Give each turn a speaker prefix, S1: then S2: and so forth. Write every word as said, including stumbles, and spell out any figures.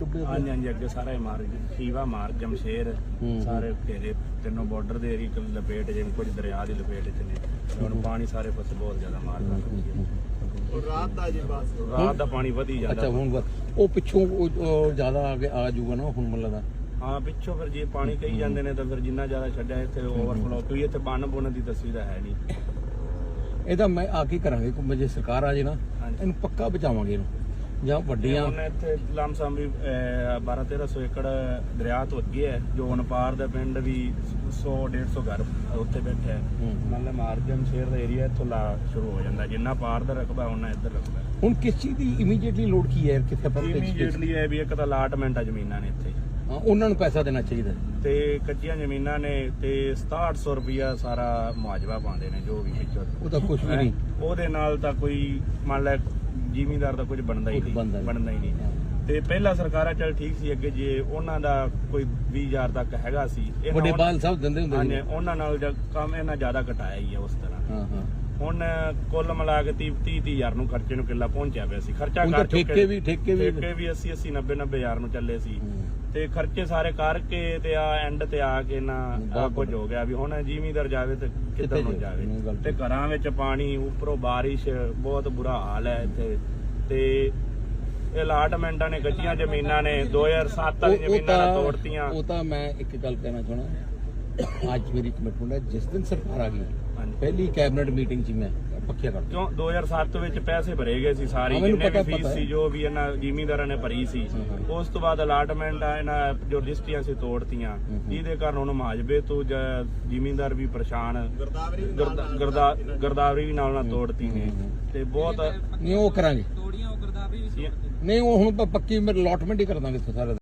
S1: हाँ जी हाँ जी अगे सारा मार खीवा मार जमशेर सारे घेरे तीनों बॉर्डर दे एरिया लपेट जिवें कुछ दरिया की लपेट च ने हुण पानी सारे पासे बहुत ज्यादा मारदा और रात दा जी बस रात दा पानी वधी जांदा।
S2: अच्छा हुण ਉਹ ਪਿੱਛੋਂ ਜ਼ਿਆਦਾ ਆ ਆ ਜਾਊਗਾ ਨਾ ਹੁਣ ਮੈਨੂੰ ਲੱਗਦਾ।
S1: हाँ पिछों फिर जे पानी कही जाते हैं तो फिर जिन्ना ज्यादा छड्या इत्थे ओवरफ्लो क्योंकि इत्थे बन बुन की तस्वीर है नहीं।
S2: ਇਹਦਾ ਮੈਂ ਆ ਕੀ ਕਰਾਂਗੇ ਜੇ ਸਰਕਾਰ ਆ ਜੇ ਨਾ ਇਹਨੂੰ ਪੱਕਾ ਬਚਾਵਾਂਗੇ ਇਹਨੂੰ ਜਾਂ ਵੱਡੀਆਂ
S1: ਉਹਨੇ ਇੱਥੇ ਲਮਸਮ ਵੀ ਬਾਰਾਂ ਤੇਰਾਂ ਸੌ ਏਕੜ ਦਰਿਆ ਤੋਂ ਅੱਗੇ ਹੈ ਜੋ ਅਨਪਾਰ ਦਾ ਪਿੰਡ ਵੀ ਸੌ ਡੇਢ ਸੌ ਘਰ ਉੱਥੇ ਬੈਠਾ ਹੈ ਮਤਲਬ ਮਾਰਜਨ ਸ਼ੇਰ ਦਾ ਏਰੀਆ ਇੱਥੋਂ ਲਾ ਸ਼ੁਰੂ ਹੋ ਜਾਂਦਾ ਜਿੰਨਾ ਪਾਰ ਦਾ ਰਕਬਾ ਉਹਨਾਂ ਇੱਧਰ ਰਕਬਾ।
S2: ਹੁਣ ਕਿਸ ਚੀਜ਼ ਦੀ ਇਮੀਡੀਏਟਲੀ ਲੋੜ ਕੀ ਹੈ ਕਿੱਥੇ ਪਰ
S1: ਇਮੀਡੀਏਟਲੀ ਹੈ ਵੀ ਇੱਕ ਤਾਂ ਅਲਾਟਮੈਂਟ ਆ ਜ਼ਮੀਨਾਂ ਨੇ ਇੱਥੇ
S2: ਉਹਨਾਂ ਨੂੰ ਪੈਸਾ ਦੇਣਾ ਚਾਹੀਦਾ
S1: ਤੇ ਕੱਚੀਆਂ ਜ਼ਮੀਨਾਂ ਨੇ ਤੇ ਸਤਾਹਠ ਸੌ ਰੁਪਇਆ ਸਾਰਾ ਮੁਆਵਜ਼ਾ ਪਾਉਂਦੇ ਨੇ ਜੋ ਵੀ ਵਿੱਚੋਂ
S2: ਉਹਦਾ ਕੁਝ ਵੀ ਨਹੀਂ
S1: ਉਹਦੇ ਨਾਲ ਤਾਂ ਕੋਈ ਮੰਨ ਲੈ ਜ਼ਿਮੀਂਦਾਰ ਦਾ ਕੁਝ ਬਣਦਾ ਹੀ ਨਹੀਂ ਬਣਦਾ ਹੀ ਨਹੀਂ। ਤੇ ਪਹਿਲਾਂ ਸਰਕਾਰਾਂ ਚੱਲ ਠੀਕ ਸੀ ਅੱਗੇ ਜੇ ਉਹਨਾਂ ਦਾ ਕੋਈ ਵੀਹ ਹਜ਼ਾਰ ਤੱਕ ਹੈਗਾ ਸੀ
S2: ਵੱਡੇ ਬਾਲ ਸਾਹਿਬ ਦਿੰਦੇ ਹੁੰਦੇ
S1: ਨੇ ਉਹਨਾਂ ਨਾਲ ਕੰਮ ਇਹਨਾਂ ਜ਼ਿਆਦਾ ਘਟਾਇਆ ਹੀ ਆ ਉਸ ਤਰ੍ਹਾਂ।
S2: ਹਾਂ ਹਾਂ
S1: ਹੁਣ ਕੁੱਲ ਮਿਲਾ ਕੇ ਤੀਹ ਤੀਹ ਹਜ਼ਾਰ ਨੂੰ ਖਰਚੇ ਨੂੰ ਕਿੱਲਾ ਪਹੁੰਚਿਆ ਪਿਆ ਸੀ ਖਰਚਾ ਕਰ
S2: ਠੇਕੇ ਵੀ ਠੇਕੇ ਵੀ
S1: ਠੇਕੇ ਵੀ ਅੱਸੀ ਅੱਸੀ ਨੱਬੇ ਨੱਬੇ ਹਜ਼ਾਰ ਨੂੰ ਚੱਲੇ ਸੀ ਤੇ ਖਰਚੇ ਸਾਰੇ ਕਰਕੇ ਤੇ ਆ ਐਂਡ ਤੇ ਆ ਕੇ ਨਾ ਕੁਝ ਹੋ ਗਿਆ ਵੀ ਹੁਣ ਜ਼ਿਮੀਂਦਾਰ ਜਾਵੇ ਤੇ ਕਿੱਧਰ ਨੂੰ ਜਾਵੇ ਤੇ ਘਰਾਂ ਵਿੱਚ ਪਾਣੀ ਉੱਪਰੋਂ ਬਾਰਿਸ਼ ਬਹੁਤ ਬੁਰਾ ਹਾਲ ਹੈ ਇੱਥੇ ਤੇ ਇਹ ਅਲਾਟਮੈਂਟਾਂ ਨੇ ਕੱਚੀਆਂ ਜ਼ਮੀਨਾਂ ਨੇ ਦੋ ਹਜ਼ਾਰ ਸੱਤ ਵਾਲੀ ਜ਼ਮੀਨਾਂ ਤੋੜਤੀਆਂ।
S2: ਉਹ ਤਾਂ ਮੈਂ ਇੱਕ ਗੱਲ ਕਹਿਣਾ ਚਾਹਣਾ ਅੱਜ ਮੇਰੀ ਕਮਿਟਮੈਂਟ ਹੈ ਜਿਸ ਦਿਨ ਸਰਕਾਰ ਆ ਗਈ ਪਹਿਲੀ ਕੈਬਨਿਟ ਮੀਟਿੰਗ 'ਚ ਮੈਂ ਪੱਕਿਆ ਕਰ
S1: ਕਿਉਂ ਦੋ ਹਜ਼ਾਰ ਸੱਤ ਵਿੱਚ ਪੈਸੇ ਭਰੇ ਗਏ ਸੀ ਸਾਰੀ ਜਿੰਨੇ ਵੀ ਫੀਸ ਸੀ ਜੋ ਵੀ ਇਹਨਾਂ ਜ਼ਿਮੀਂਦਾਰਾਂ ਨੇ ਭਰੀ ਸੀ ਉਸ ਤੋਂ ਬਾਅਦ ਅਲਾਟਮੈਂਟ ਆ ਇਹਨਾਂ ਜੋ ਰਜਿਸਟਰੀਆਂ ਸੀ ਤੋੜਤੀਆਂ ਜਿਹਦੇ ਕਾਰਨ ਹੁਣ ਮੁਆਵਜ਼ੇ ਤੋਂ ਜ਼ਿਮੀਂਦਾਰ ਵੀ ਪਰੇਸ਼ਾਨ ਗਰਦਾਵਰੀ ਵੀ ਨਾਲ ਨਾਲ ਤੋੜਤੀ ਨੇ ਤੇ ਬਹੁਤ
S2: ਨਹੀਂ ਉਹ ਕਰਾਂਗੇ ਨਹੀਂ ਉਹ ਹੁਣ ਪੱਕੀ ਅਲਾਟਮੈਂਟ ਹੀ ਕਰ ਦਾਂਗੇ ਸਾਰਾ।